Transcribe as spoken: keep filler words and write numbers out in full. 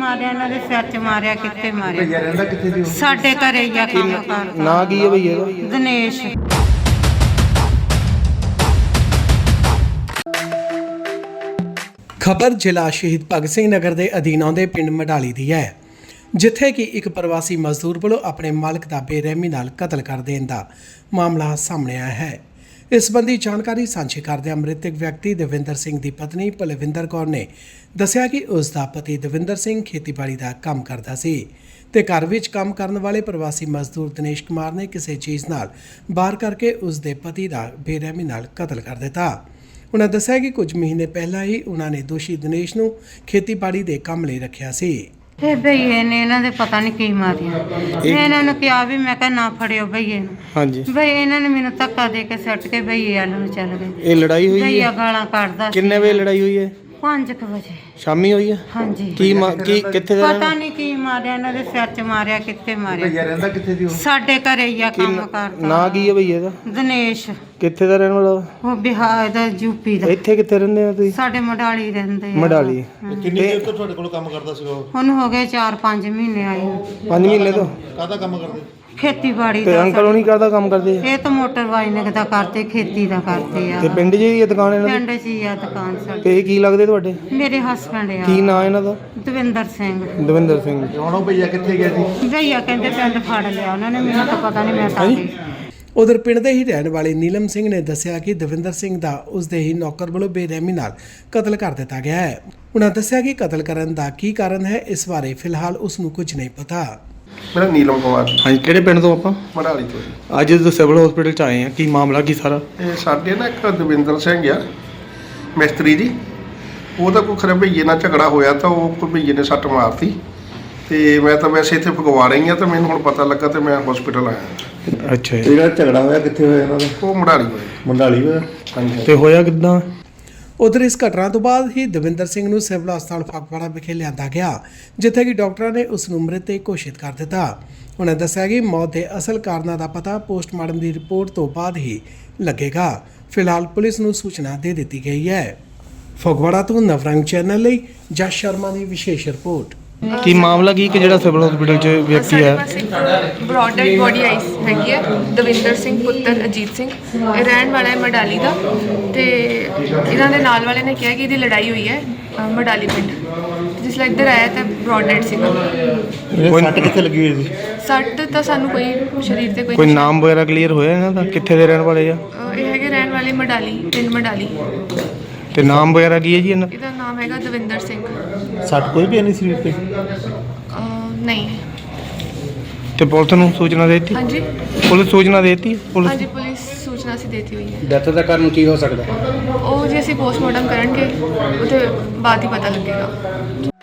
ਮਾਰਿਆ, ਇਹਨਾਂ ਦੇ ਸਿਰ 'ਚ ਮਾਰਿਆ, ਕਿੱਥੇ ਮਾਰਿਆ। ਭਈਆ ਰਹਿੰਦਾ ਕਿੱਥੇ ਦੀ ਉਹ? ਸਾਡੇ ਘਰੇ ਹੀ ਆ ਕੰਮ ਕਰਦਾ। ਨਾ ਕੀ ਹੈ ਭਈਆ ਦਾ? ਦਿਨੇਸ਼। ਖਬਰ ਜ਼ਿਲ੍ਹਾ ਸ਼ਹੀਦ ਭਗਤ ਸਿੰਘ ਨਗਰ ਦੇ ਅਧੀਨ ਆਉਂਦੇ ਪਿੰਡ ਮਡਾਲੀ ਦੀ ਹੈ, ਜਿੱਥੇ ਕਿ ਇੱਕ ਪ੍ਰਵਾਸੀ ਮਜ਼ਦੂਰ ਵੱਲੋਂ ਆਪਣੇ ਮਾਲਕ ਦਾ ਬੇਰਹਿਮੀ ਨਾਲ ਕਤਲ ਕਰ ਦੇਣ ਦਾ ਮਾਮਲਾ ਸਾਹਮਣੇ ਆਇਆ ਹੈ। ਇਸ ਸੰਬੰਧੀ ਜਾਣਕਾਰੀ ਸਾਂਝੀ ਕਰਦਿਆਂ ਮ੍ਰਿਤਕ ਵਿਅਕਤੀ ਦਵਿੰਦਰ ਸਿੰਘ ਦੀ ਪਤਨੀ ਪਲਵਿੰਦਰ ਕੌਰ ਨੇ ਦੱਸਿਆ ਕਿ ਉਸ ਦਾ ਪਤੀ ਦਵਿੰਦਰ ਸਿੰਘ ਖੇਤੀਬਾੜੀ ਦਾ ਕੰਮ ਕਰਦਾ ਸੀ ਤੇ ਘਰ ਵਿੱਚ ਕੰਮ ਕਰਨ ਵਾਲੇ ਪ੍ਰਵਾਸੀ ਮਜ਼ਦੂਰ ਦਿਨੇਸ਼ ਕੁਮਾਰ ਨੇ ਕਿਸੇ ਚੀਜ਼ ਨਾਲ ਵਾਰ ਕਰਕੇ ਉਸ ਦੇ ਪਤੀ ਦਾ ਬੇਰਹਿਮੀ ਨਾਲ ਕਤਲ ਕਰ ਦਿੱਤਾ। ਉਹਨਾਂ ਦੱਸਿਆ ਕਿ ਕੁਝ ਮਹੀਨੇ ਪਹਿਲਾਂ ਹੀ ਉਹਨਾਂ ਨੇ ਦੋਸ਼ੀ ਦਿਨੇਸ਼ ਨੂੰ ਖੇਤੀਬਾੜੀ ਦੇ ਕੰਮ ਲਈ ਰੱਖਿਆ ਸੀ। ਇਹ ਭਈਏ ਨੇ ਇਹਨਾਂ ਦੇ ਪਤਾ ਨਹੀਂ ਕੀ ਮਾਰਿਆ। ਮੈਂ ਇਹਨਾਂ ਨੂੰ ਕਿਹਾ ਵੀ ਮੈਂ ਕਿਹਾ ਨਾ ਫੜਿਓ ਭਈਏ ਨੂੰ। ਹਾਂਜੀ, ਭਈ ਇਹਨਾਂ ਨੇ ਮੈਨੂੰ ਧੱਕਾ ਦੇ ਕੇ ਸੱਟ ਕੇ ਭਈਏ ਵੱਲ ਨੂੰ ਚੱਲ ਗਏ। ਇਹ ਲੜਾਈ ਹੋਈ ਭਈਆ ਹੈ? ਗਾਲਾਂ ਕੱਢਦਾ ਸੀ। ਕਿੰਨੇ ਵਜੇ ਲੜਾਈ ਹੋਈ ਹੈ? ਪੰਜ ਕੁ ਵਜੇ। ਸ਼ਾਮੀ ਹੋਈ ਹੈ? ਹਾਂਜੀ। ਕੀ ਮਾ- ਕੀ ਕਿੱਥੇ ਦਾ? ਪਤਾ ਨਹੀਂ ਕੀ ਮਾਰਿਆ, ਇਹਨਾਂ ਦੇ ਸਿਰ 'ਚ ਮਾਰਿਆ, ਕਿੱਥੇ ਮਾਰਿਆ। ਭਈਆ ਰਹਿੰਦਾ ਕਿੱਥੇ ਦੀ ਉਹ? ਸਾਡੇ ਘਰੇ ਹੀ ਆ ਕੰਮ ਕਰਦਾ। ਨਾ ਕੀ ਹੈ ਭਈਆ ਦਾ? ਦਿਨੇਸ਼। ਕਿੱਥੇ ਦਾ ਰਹਿਣ ਵਾਲਾ? ਉਹ ਬਿਹਾਰ ਦਾ, ਯੂਪੀ ਦਾ। ਇੱਥੇ ਕਿੱਥੇ ਰਹਿੰਦੇ ਆ ਤੁਸੀਂ? ਸਾਡੇ ਮਡਾਲੀ ਰਹਿੰਦੇ ਆ। ਮਡਾਲੀ। ਕਿੰਨੀ ਦੇਰ ਤੋਂ ਤੁਹਾਡੇ ਕੋਲ ਕੰਮ ਕਰਦਾ ਸੀਗਾ ਉਹ? ਹੁਣ ਹੋ ਗਏ ਚਾਰ ਪੰਜ ਮਹੀਨੇ ਆਏ ਨੂੰ। ਪੰਜ ਮਹੀਨੇ ਤੋਂ ਕਾਹਦਾ ਕੰਮ ਕਰਦੇ? ਖੇਤੀਬਾੜੀ ਤੇ ਦਾ। ਅੰਕਲ ਹੋਣੀ ਕਰਦਾ ਕੰਮ ਕਰਦੇ ਆ? ਇਹ ਤਾਂ ਮੋਟਰ ਵਾਈਨਿੰਗ ਦਾ ਕਰਦੇ, ਖੇਤੀ ਦਾ ਕਰਦੇ ਆ। ਤੇ ਪਿੰਡ 'ਚ ਹੀ ਹੈ ਦੁਕਾਨ ਇਹਨਾਂ ਦੀ? ਪਿੰਡ 'ਚ ਹੀ ਆ ਦੁਕਾਨ ਸਾਡੀ। ਤੇ ਇਹ ਕੀ ਲੱਗਦੇ ਤੁਹਾਡੇ? ਮੇਰੇ ਹਸਬੰਡ ਆ। ਕੀ ਨਾਂ ਇਹਨਾਂ ਦਾ? ਦਵਿੰਦਰ ਸਿੰਘ। ਦਵਿੰਦਰ ਸਿੰਘ। ਹੁਣ ਉਹ ਭਈਆ ਕਿੱਥੇ ਗਿਆ ਸੀ? ਭਈਆ ਕਹਿੰਦੇ ਪਿੰਡ ਫੜ ਲਿਆ ਉਹਨਾਂ ਨੇ, ਮੈਨੂੰ ਤਾਂ ਪਤਾ ਨਹੀਂ, ਮੈਂ ਤਾਂ ਗਈ। ਉਧਰ ਪਿੰਡ ਦੇ ਹੀ ਰਹਿਣ ਵਾਲੇ ਨੀਲਮ ਸਿੰਘ ਨੇ ਦੱਸਿਆ ਕਿ ਦਵਿੰਦਰ ਸਿੰਘ ਦਾ ਉਸ ਦੇ ਹੀ ਨੌਕਰ ਵੱਲੋਂ ਬੇਰਹਿਮੀ ਨਾਲ ਕਤਲ ਕਰ ਦਿੱਤਾ ਗਿਆ ਹੈ। ਉਹਨਾਂ ਦੱਸਿਆ ਕਿ ਕਤਲ ਕਰਨ ਦਾ ਕੀ ਕਾਰਨ ਹੈ, ਇਸ ਬਾਰੇ ਫਿਲਹਾਲ ਉਸ ਨੂੰ ਕੁਝ ਨਹੀਂ ਪਤਾ। ਮੇਰਾ ਨੀਲਮ ਕੁਮਾਰ ਹਾਂਜੀ, ਕਿਹੜੇ ਪਿੰਡ ਤੋਂ ਆਪਾਂ? ਮੜਾਲੀ ਤੋਂ ਜੀ। ਅੱਜ ਜਦੋਂ ਸਿਵਲ ਹਸਪੀਟਲ 'ਚ ਆਏ ਆ, ਕੀ ਮਾਮਲਾ ਕੀ ਸਾਰਾ? ਇਹ ਸਾਡੇ ਨਾ ਇੱਕ ਦਵਿੰਦਰ ਸਿੰਘ ਆ ਮਿਸਤਰੀ ਜੀ, ਉਹਦਾ ਕੋਈ ਖਰੇ ਭਈਏ ਨਾਲ ਝਗੜਾ ਹੋਇਆ ਤਾਂ ਉਹ ਕੋਈ ਭਈਏ ਨੇ ਸੱਟ ਮਾਰਤੀ ਤੇ ਮੈਂ ਤਾਂ ਵੈਸੇ ਇੱਥੇ ਫਗਵਾ ਰਹੀ ਆ ਤੇ ਮੈਨੂੰ ਹੁਣ ਪਤਾ ਲੱਗਾ ਤੇ ਮੈਂ ਹਸਪੀਟਲ ਆਇਆ। ਅੱਛਾ ਜੀ। ਜਿਹੜਾ ਝਗੜਾ ਹੋਇਆ ਕਿੱਥੇ ਹੋਇਆ ਇਹਨਾਂ ਦਾ? ਉਹ ਮੜਾਲੀ ਹੋਇਆ। ਮੰਡਾਲੀ ਹੋਇਆ। ਹਾਂਜੀ। ਤੇ ਹੋਇਆ ਕਿੱਦਾਂ? ਉਧਰ ਇਸ ਘਟਨਾ ਤੋਂ ਬਾਅਦ ਹੀ ਦਵਿੰਦਰ ਸਿੰਘ ਨੂੰ ਸਿਵਲ ਹਸਪਤਾਲ ਫਗਵਾੜਾ ਵਿਖੇ ਲਿਆਂਦਾ ਗਿਆ, ਜਿੱਥੇ ਕਿ ਡਾਕਟਰਾਂ ਨੇ ਉਸ ਨੂੰ ਮ੍ਰਿਤਕ ਘੋਸ਼ਿਤ ਕਰ ਦਿੱਤਾ। ਉਹਨਾਂ ਦੱਸਿਆ ਕਿ ਮੌਤ ਦੇ ਅਸਲ ਕਾਰਨਾਂ ਦਾ ਪਤਾ ਪੋਸਟਮਾਰਟਮ ਦੀ ਰਿਪੋਰਟ ਤੋਂ ਬਾਅਦ ਹੀ ਲੱਗੇਗਾ। ਫਿਲਹਾਲ ਪੁਲਿਸ ਨੂੰ ਸੂਚਨਾ ਦੇ ਦਿੱਤੀ ਗਈ ਹੈ। ਫਗਵਾੜਾ ਤੋਂ ਨਵਰੰਗ ਚੈਨਲ ਲਈ ਜਸ ਸ਼ਰਮਾ ਦੀ ਵਿਸ਼ੇਸ਼ ਰਿਪੋਰਟ। ਕੀ ਮਾਮਲਾ ਕੀ ਕਿ ਜਿਹੜਾ ਸਿਵਲ ਹਸਪੀਟਲ 'ਚ ਵਿਅਕਤੀ ਹੈ? ਬ੍ਰੌਡ ਡੈਡ ਬੋਡੀ ਆਈ ਹੈਗੀ ਹੈ। ਦਵਿੰਦਰ ਸਿੰਘ ਪੁੱਤਰ ਅਜੀਤ ਸਿੰਘ, ਇਹ ਰਹਿਣ ਵਾਲਾ ਹੈ ਮਡਾਲੀ ਦਾ। ਤੇ ਇਹਨਾਂ ਦੇ ਨਾਲ ਵਾਲੇ ਨੇ ਕਿਹਾ ਕਿ ਇਹਦੀ ਲੜਾਈ ਹੋਈ ਹੈ ਅ, ਮਡਾਲੀ ਪਿੰਡ। ਜਿਸ ਲਈ ਇੱਧਰ ਆਇਆ ਤਾਂ ਬ੍ਰੌਡ ਡੈਡ ਸੀਗਾ। ਕੋਈ ਸੱਟ ਕਿੱਥੇ ਲੱਗੀ ਹੋਈ ਸੀ? ਸੱਟ ਤਾਂ ਸਾਨੂੰ ਕੋਈ ਸਰੀਰ ਤੇ ਕੋਈ ਕੋਈ ਨਾਮ ਵਗੈਰਾ ਕਲੀਅਰ ਹੋਇਆ ਇਹਨਾਂ ਦਾ? ਕਿੱਥੇ ਦੇ ਰਹਿਣ ਵਾਲੇ ਆ? ਅ, ਇਹ ਹੈਗੇ ਰਹਿਣ ਵਾਲੇ ਮਡਾਲੀ, ਪਿੰਡ ਮਡਾਲੀ। ਤੇ ਨਾਮ ਵਗੈਰਾ ਕੀ ਹੈ ਜੀ ਇਹਨਾਂ? ਇਹਦਾ ਨਾਮ ਹੈਗਾ ਦਵਿੰਦਰ ਸਿੰਘ। ਸੱਟ ਕੋਈ ਵੀ ਨਹੀਂ ਸਰੀਰ ਤੇ? ਅ, ਨਹੀਂ। ਤੇ ਪੁਲਿਸ ਨੂੰ ਸੂਚਨਾ ਦੇ ਦਿੱਤੀ? ਹਾਂਜੀ ਪੁਲਿਸ ਸੂਚਨਾ ਦੇ ਦਿੱਤੀ? ਪੁਲਿਸ ਹਾਂਜੀ, ਪੁਲਿਸ ਸੂਚਨਾ ਅਸੀਂ ਦੇਤੀ ਹੋਈ ਹੈ। ਡੈਥ ਦਾ ਕਾਰਨ ਕੀ ਹੋ ਸਕਦਾ? ਉਹ ਜੇ ਅਸੀਂ ਪੋਸਟਮਾਰਟਮ ਕਰਾਂਗੇ ਉਹਦੇ ਬਾਅਦ ਹੀ ਪਤਾ ਲੱਗੇਗਾ।